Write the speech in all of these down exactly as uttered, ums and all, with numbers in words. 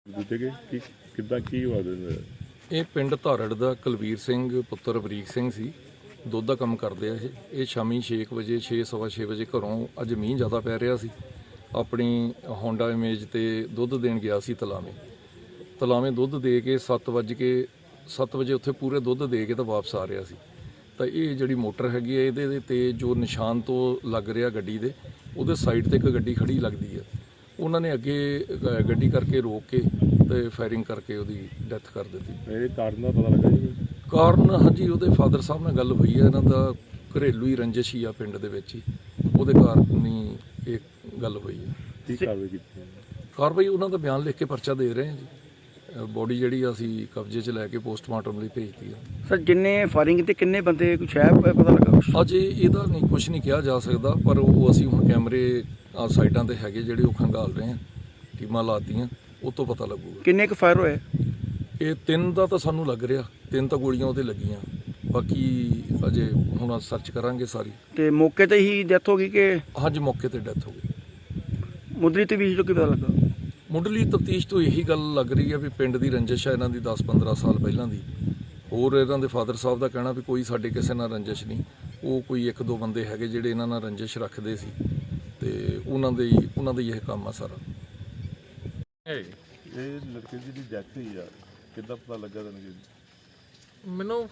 ਕਿੱਦਾਂ ਕੀ ਹੋਇਆ ਦਿੰਦਾ? ਇਹ ਪਿੰਡ ਧਾਰੜ ਦਾ ਕੁਲਵੀਰ ਸਿੰਘ ਪੁੱਤਰ ਬਰੀਕ ਸਿੰਘ ਸੀ। ਦੁੱਧ ਦਾ ਕੰਮ ਕਰਦੇ ਆ ਇਹ ਇਹ ਸ਼ਾਮੀ ਛੇ ਕੁ ਵਜੇ ਛੇ ਸਵਾ ਛੇ ਵਜੇ ਘਰੋਂ, ਅੱਜ ਮੀਂਹ ਜ਼ਿਆਦਾ ਪੈ ਰਿਹਾ ਸੀ, ਆਪਣੀ ਹੋਂਡਾ ਇਮੇਜ ਤੇ ਦੁੱਧ ਦੇਣ ਗਿਆ ਸੀ ਤਲਾਵੇਂ ਤਲਾਵੇਂ ਦੁੱਧ ਦੇ ਕੇ ਸੱਤ ਵੱਜ ਕੇ ਸੱਤ ਵਜੇ ਉੱਥੇ ਪੂਰੇ ਦੁੱਧ ਦੇ ਕੇ ਤਾਂ ਵਾਪਸ ਆ ਰਿਹਾ ਸੀ। ਤਾਂ ਇਹ ਜਿਹੜੀ ਮੋਟਰ ਹੈਗੀ ਹੈ ਇਹਦੇ ਤੇ ਜੋ ਨਿਸ਼ਾਨ ਤੋਂ ਲੱਗ ਰਿਹਾ ਗੱਡੀ ਦੇ, ਉਹਦੇ ਸਾਈਡ ਤੇ ਇੱਕ ਗੱਡੀ ਖੜੀ ਲੱਗਦੀ ਹੈ। ਉਹਨਾਂ ਨੇ ਅੱਗੇ ਗੱਡੀ ਕਰਕੇ ਰੋਕ ਕੇ ਤੇ ਫਾਇਰਿੰਗ ਕਰਕੇ ਉਹਦੀ ਡੈਥ ਕਰ ਦਿੱਤੀ। ਇਹ ਕਾਰਨ ਦਾ ਪਤਾ ਲੱਗਾ ਜੀ? ਕਾਰਨ ਹਾਂਜੀ ਉਹਦੇ ਫਾਦਰ ਸਾਹਿਬ ਨਾਲ ਗੱਲ ਹੋਈ ਹੈ, ਇਹਨਾਂ ਦਾ ਘਰੇਲੂ ਹੀ ਰੰਜਿਸ਼ ਹੀ ਆ ਪਿੰਡ ਦੇ ਵਿੱਚ ਹੀ, ਉਹਦੇ ਕਾਰਨ ਹੀ ਇਹ ਗੱਲ ਹੋਈ ਹੈ। ਕੀ ਕਾਰਵਾਈ ਕੀਤੀ? ਕਾਰਵਾਈ ਉਹਨਾਂ ਦਾ ਬਿਆਨ ਲਿਖ ਕੇ ਪਰਚਾ ਦੇ ਰਹੇ ਹਾਂ ਜੀ। ਬੋਡੀ ਜਿਹੜੀ ਅਸੀਂ ਕਬਜ਼ੇ 'ਚ ਲੈ ਕੇ ਪੋਸਟਮਾਰਟਮ ਲਈ ਭੇਜਤੀ ਆ। ਸਰ ਜਿੰਨੇ ਫਾਇਰਿੰਗ ਤੇ ਕਿੰਨੇ ਬੰਦੇ ਕੁਛ ਹੈ ਪਤਾ ਲੱਗਾ? ਅਜੇ ਇਹਦਾ ਨਹੀਂ ਕੁਝ ਨਹੀਂ ਕਿਹਾ ਜਾ ਸਕਦਾ, ਪਰ ਉਹ ਅਸੀਂ ਹੁਣ ਕੈਮਰੇ ਆ ਸਾਈਡਾਂ ਤੇ ਹੈਗੇ ਜਿਹੜੇ ਉਹ ਖੰਗਾਲ ਰਹੇ ਹਾਂ, ਟੀਮਾਂ ਲਾਤੀਆਂ, ਉਹ ਤੋਂ ਪਤਾ ਲੱਗੂਗਾ। ਕਿੰਨੇ ਕੁ ਫਾਇਰ ਹੋਏ? ਇਹ ਤਿੰਨ ਦਾ ਤਾਂ ਸਾਨੂੰ ਲੱਗ ਰਿਹਾ, ਤਿੰਨ ਤਾਂ ਗੋਲੀਆਂ ਉਹਦੇ ਲੱਗੀਆਂ, ਬਾਕੀ ਅਜੇ ਹੁਣ ਸਰਚ ਕਰਾਂਗੇ ਸਾਰੀ। ਤੇ ਮੌਕੇ ਤੇ ਹੀ ਡੈਥ ਹੋ ਗਈ ਕਿ? ਹਾਂਜੀ ਮੌਕੇ ਤੇ ਡੈਥ ਹੋ ਗਈ। ਮੁੱਢਲੀ ਤਫਤੀਸ਼ ਤੋਂ ਕੀ ਪਤਾ ਲੱਗਾ? ਮੁੱਢਲੀ ਤਫਤੀਸ਼ ਤੋਂ ਇਹੀ ਗੱਲ ਲੱਗ ਰਹੀ ਹੈ ਵੀ ਪਿੰਡ ਦੀ ਰੰਜਿਸ਼ ਹੈ ਇਹਨਾਂ ਦੀ ਦਸ ਪੰਦਰਾਂ ਸਾਲ ਪਹਿਲਾਂ ਦੀ। ਹੋਰ ਇਹਨਾਂ ਦੇ ਫਾਦਰ ਸਾਹਿਬ ਦਾ ਕਹਿਣਾ ਵੀ ਕੋਈ ਸਾਡੇ ਕਿਸੇ ਨਾਲ ਰੰਜਿਸ਼ ਨਹੀਂ, ਉਹ ਕੋਈ ਇੱਕ ਦੋ ਬੰਦੇ ਹੈਗੇ ਜਿਹੜੇ ਇਹਨਾਂ ਨਾਲ ਰੰਜਿਸ਼ ਰੱਖਦੇ ਸੀ ਤੇ ਉਹਨਾਂ ਦੇ ਉਹਨਾਂ ਦਾ ਹੀ ਇਹ ਕੰਮ ਆ ਸਾਰਾ। ਇਹ ਲੜਕੇ ਦੀ ਡੈਥ ਹੋਈ ਆ, ਕਿੱਦਾਂ ਪਤਾ ਲੱਗਾ ਤੁਹਾਨੂੰ? ਮੈਨੂੰ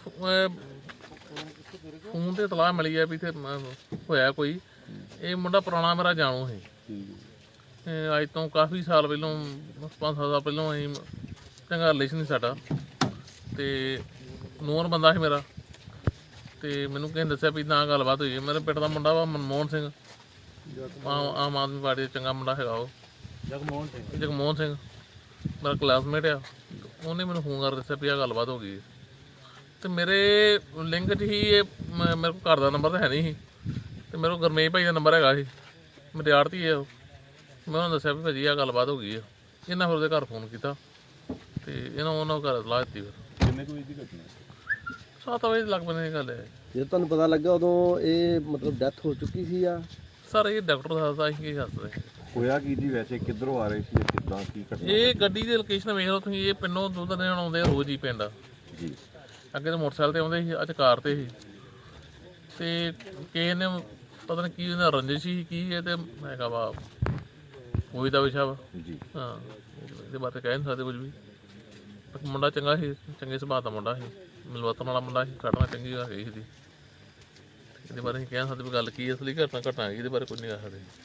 ਫੋਨ ਤੇ ਇਤਲਾਹ ਮਿਲੀ ਹੈ ਵੀ ਇੱਥੇ ਹੋਇਆ ਕੋਈ। ਇਹ ਮੁੰਡਾ ਪੁਰਾਣਾ ਮੇਰਾ ਜਾਣੂ ਸੀ, ਅੱਜ ਤੋਂ ਕਾਫੀ ਸਾਲ ਪਹਿਲੋਂ, ਪੰਜ ਸੱਤ ਸਾਲ ਪਹਿਲੋਂ ਅਸੀਂ ਚੰਗਾ ਰਿਲੇਸ਼ਨ ਸੀ ਸਾਡਾ, ਤੇ ਨੂਰ ਬੰਦਾ ਸੀ ਮੇਰਾ। ਤੇ ਮੈਨੂੰ ਕਿਸੇ ਨੇ ਦੱਸਿਆ ਵੀ ਨਾ ਗੱਲਬਾਤ ਹੋਈ ਹੈ। ਮੇਰੇ ਪਿੰਡ ਦਾ ਮੁੰਡਾ ਵਾ ਮਨਮੋਹਨ ਸਿੰਘ, ਆਮ ਆਦਮੀ ਪਾਰਟੀ ਦਾ ਚੰਗਾ ਮੁੰਡਾ ਹੈਗਾ ਉਹ, ਜਗਮੋਹਨ ਸਿੰਘ ਜਗਮੋਹਨ ਸਿੰਘ ਮੇਰਾ ਕਲਾਸਮੇਟ ਆ। ਉਹਨੇ ਮੈਨੂੰ ਫੋਨ ਕਰ ਦੱਸਿਆ ਵੀ ਆਹ ਗੱਲਬਾਤ ਹੋ ਗਈ। ਅਤੇ ਮੇਰੇ ਲਿੰਕ 'ਚ ਹੀ ਇਹ, ਮੇਰੇ ਕੋਲ ਘਰ ਦਾ ਨੰਬਰ ਤਾਂ ਹੈ ਨਹੀਂ ਸੀ, ਅਤੇ ਮੇਰੇ ਕੋਲ ਗੁਰਮੇਸ਼ ਭਾਈ ਦਾ ਨੰਬਰ ਹੈਗਾ ਸੀ, ਮੇਰੇ ਆੜਤੀ ਹੈ ਉਹ। ਮੈਂ ਉਹਨਾਂ ਦੱਸਿਆ ਵੀ ਭਾਜੀ ਆਹ ਗੱਲਬਾਤ ਹੋ ਗਈ ਆ। ਇਹਨਾਂ ਫਿਰ ਉਹਦੇ ਘਰ ਫੋਨ ਕੀਤਾ ਅਤੇ ਇਹਨਾਂ ਉਹਨਾਂ ਘਰ ਸਲਾਹ ਦਿੱਤੀ। ਫਿਰ ਕਿੰਨੇ ਕੁ ਵਜੇ ਦੀ ਘਟਨਾ? ਸੱਤ ਵਜੇ ਲੱਗ ਪੈਣੇ ਇਹ ਗੱਲ ਹੈ। ਜਦੋਂ ਤੁਹਾਨੂੰ ਪਤਾ ਲੱਗਾ ਉਦੋਂ ਇਹ ਮਤਲਬ ਡੈਥ ਹੋ ਚੁੱਕੀ ਸੀ ਆ? ਸਰ ਇਹ ਡਾਕਟਰ ਦੱਸਦਾ, ਅਸੀਂ ਕੀ ਦੱਸਦੇ। ਹੋਇਆ ਕੀ ਜੀ ਵੈਸੇ, ਕਿੱਧਰੋਂ ਆ ਰਹੇ ਸੀ, ਕਿੱਦਾਂ ਕੀ ਘਟਨਾ? ਇਹ ਗੱਡੀ ਦੀ ਲੋਕੇਸ਼ਨ ਵੇਖ ਲਓ ਤੁਸੀਂ। ਇਹ ਪਿੰਡੋਂ ਦੁੱਧ ਦੇਣ ਆਉਂਦੇ ਰੋਜ਼ ਹੀ ਪਿੰਡ ਜੀ। ਅੱਗੇ ਤਾਂ ਮੋਟਰਸਾਈਕਲ 'ਤੇ ਆਉਂਦੇ ਸੀ, ਅੱਜ ਕਾਰ 'ਤੇ ਸੀ। ਅਤੇ ਕਿਸੇ ਨੇ ਪਤਾ ਨਹੀਂ ਕੀ ਉਹਦਾ ਰੰਜਿਸ਼ ਸੀ ਕੀ ਹੈ, ਅਤੇ ਹੈਗਾ ਵਾ ਉਹੀ ਦਾ ਵਿਸ਼ਾ ਵਾ ਜੀ। ਹਾਂ, ਇਹਦੇ ਬਾਰੇ ਕਹਿ ਨਹੀਂ ਸਕਦੇ ਕੁਝ ਵੀ। ਮੁੰਡਾ ਚੰਗਾ ਸੀ, ਚੰਗੇ ਸੁਭਾਅ ਦਾ ਮੁੰਡਾ ਸੀ, ਮਿਲਵਰਤਨ ਵਾਲਾ ਮੁੰਡਾ ਸੀ, ਘਟਨਾ ਚੰਗੀ ਹੈਗੀ ਸੀ। ਇਹਦੇ ਬਾਰੇ ਅਸੀਂ ਕਹਿ ਸਕਦੇ ਵੀ ਗੱਲ ਕੀ ਅਸਲੀ ਘਟਨਾ ਘਟਨਾ ਹੈਗੀ, ਇਹਦੇ ਬਾਰੇ ਕੁਝ ਨਹੀਂ ਕਹਿ ਸਕਦੇ।